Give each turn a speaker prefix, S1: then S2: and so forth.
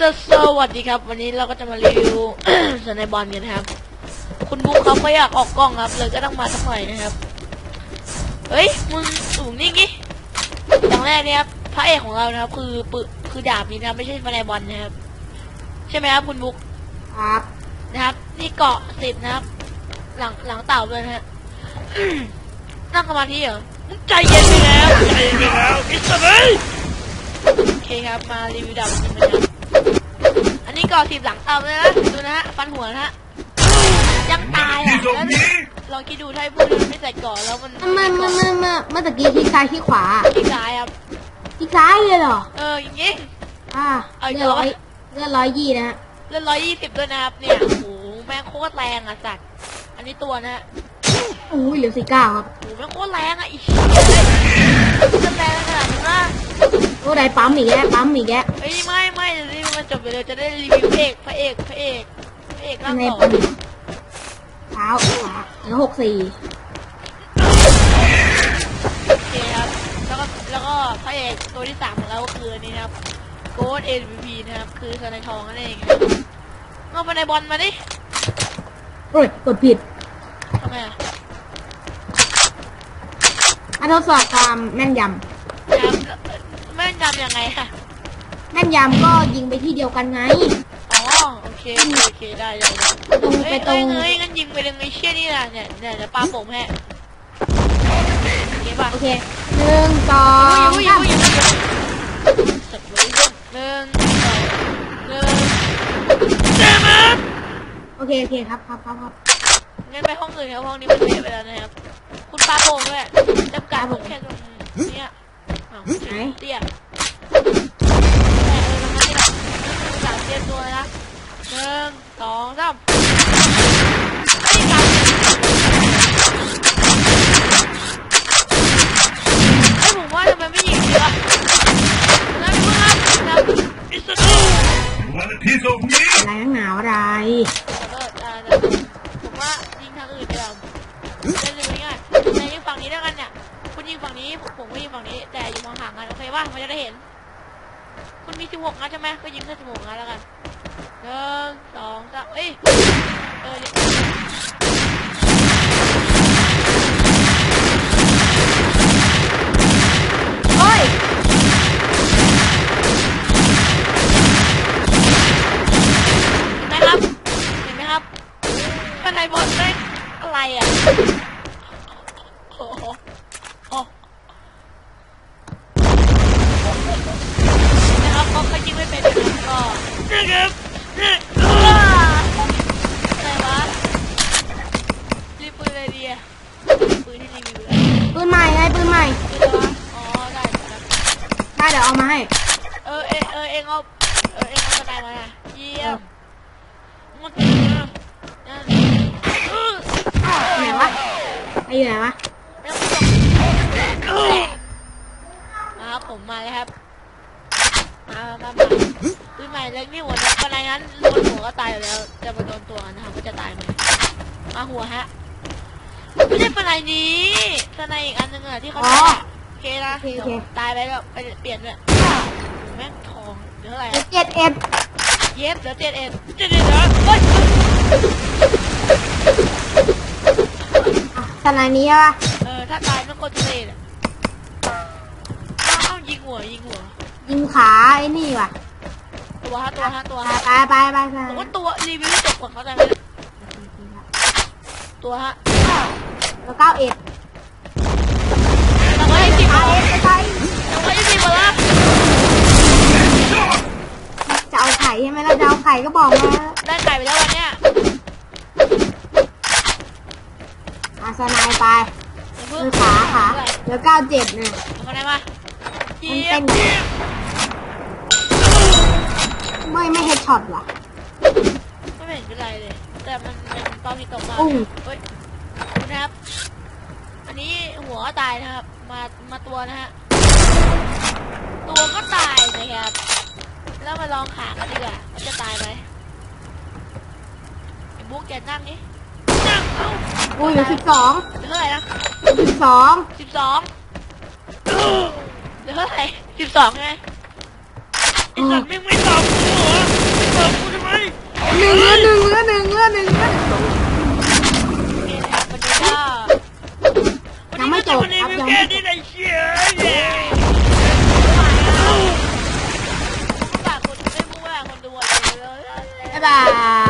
S1: สวัสดีครับวันนี้เราก็จะมารีวิว สไนบอลกันนะครับคุณบุ๊คเขาไม่อยากออกกล้องครับเลยก็ต้องมาสักหน่อยนะครับเฮ้ยมึงสูงนี่งี้อย่างแรกเนี่ยครับพระเอกของเรานะครับคือดาบนี้นะครับไม่ใช่สไนบอลนะครับใช่ไหมครับคุณบุ๊ค
S2: ครับ
S1: นะครับนี่เกาะ10นะครับหลังเต่าเลยนะฮะ นั่งสมาธิเหรอใจเย็นไปแล้วใจเย็นไปแล้วอิสระโอเคครับมารีวิวดาบนี้นะครับอันนี้เกาะ10หลังเต่าเลยนะดูนะฮะฟันหัวนะฮะยังตายอ่ะแล้วลองคิดดูถ้าพูดไม่ใส่เกาะแล้วมัน
S2: เมื่อตะกี้ที่ซ้ายที่ขวา
S1: ที่ซ้ายครับ
S2: ที่ซ้ายเลยเหรอ
S1: อย่างงี้
S2: เลือด120นะฮะ
S1: เลือด120ด้วยนะครับเนี่ยโอ้โหแม่งโคตรแรงอ่ะสัตว์อันนี้ตัวนะ
S2: อุ้ยเหลือ49ครับ
S1: โอ้โหแม่งโคตรแรงอ่ะอีกจะแรงขนาดนี้นะ
S2: โอ้ได้ปั๊มอีกแล้ว
S1: เฮ้ยไม่เดี๋ยวนี้มันจบไปเลยจะได้รีวิวพระเอกร่างหล่อ
S2: เท้าเหลือ64
S1: โอเคครับแล้วก็พระเอกตัวที่3ของเราคือนี่ครับโกด MVP นะครับคือสไนทองนั่นเองเอาไปในบอลมาดิ
S2: โอ้ยกดผิด
S1: ทำไม
S2: ทดสอบความแม่นยำ
S1: ยังไงค่ะ
S2: แม่นยำก็ยิงไปที่เดียวกันไง
S1: อ๋อโอเคได้
S2: ไปตรง
S1: งั้นยิงไปเลยไอ้เชี่ยนี่นะเนี่ยปาผมแฮะ
S2: โอเค1 2 3โอเคครับ
S1: งั้นไปห้องอื่นครับห้องนี้มันเสียไปแล้วนะครับคุณปาผมด้วยจำกัดผมแค่ตรงนี้
S2: ไหน
S1: เตี้ย3เตี้ยตัวนะ1 2 3ผมว่าทำไมไม่ยิงเยอะนะเพื่อนนะอิสระ
S2: อะไรนักหนาวอะไร
S1: ผมว่ายิงทางอื่นเดียวจะดูง่ายแต่ยิงฝั่งนี้แล้วกันเนี่ยคุณยิงฝั่งนี้ผมก็ยิงฝั่งนี้แต่อยู่ห่างๆกันโอเคป่ะมันจะได้เห็นคุณมี16นัดใช่ไหมก็ยิงแค่16นัดแล้วกัน1 2 3เอ้ยเห็นไหมครับข้างในบอลได้อะไรอ่ะโอ้โหนะครับเขายิงไม่เป็นก็นะครับอะไรวะรีบปืนอะไรดีอ่ะปืนที่รีวิว
S2: ปืนใหม่ปืนอะไรวะ
S1: อ๋อได้
S2: เดี๋ยวเอามาให้
S1: เองเอาสไนมาเยี่ยมมัน
S2: ไหนวะอยู่ไหนวะ
S1: มาผมมาแล้วครับมาปืนใหม่เล็กนี่หัวปนายนั้นโดนหัวก็ตายอยู่แล้วจะมาโดนตัวนะครับก็จะตายไหมมาหัวฮะไม่ใช่ปนายนี้ปนายอีกอันนึงอะที่เขาโอเคนะตายไปแล้วไปเปลี่ยนเลยแม่งทองเดี๋ยวอะไร
S2: 7
S1: เย็บเดี๋ยว7 เหรอ
S2: ขนาดนี้วะ
S1: ถ้าตายต้องกดเทเลยต้องยิงหัว
S2: ยิงขาไอ้นี่ว่ะ
S1: ตัวไป
S2: ผม
S1: ว่าตัวรีวิวจบก่อนเขาจะตัวฮะ
S2: แล้ว91
S1: แล้วก็20หมดแล้ว
S2: จะเอาไข่ใช่ไหมล่ะจะเอาไข่ก็บอกมา
S1: ได้ไข่ไปแล้ววันเนี้ย
S2: สไนไปขาเดี๋ยว97เนี่ย
S1: เอาไหนมา
S2: ไม่เฮดช็อตว่ะ
S1: ไม่เห็นเป็นไรเลยแต่มันตอนที่ตกมาเฮ้ยนะครับอันนี้หัวก็ตายนะครับมาตัวนะฮะตัวก็ตายนะครับแล้วมาลองขากันดีกว่าจะตายไหมไอ้บุ๊กแกนั่งนี่นั่ง
S2: อุ้ย12
S1: เท่าไหร่นะ12เหลือเท่าไหร่12ไงไอ้สัตว์ไม่ตอบกูเหรอค่นี้เลยเชียฝากคนไม่พูดว่าคนดูอะไรเลย
S2: บ๊ายบาย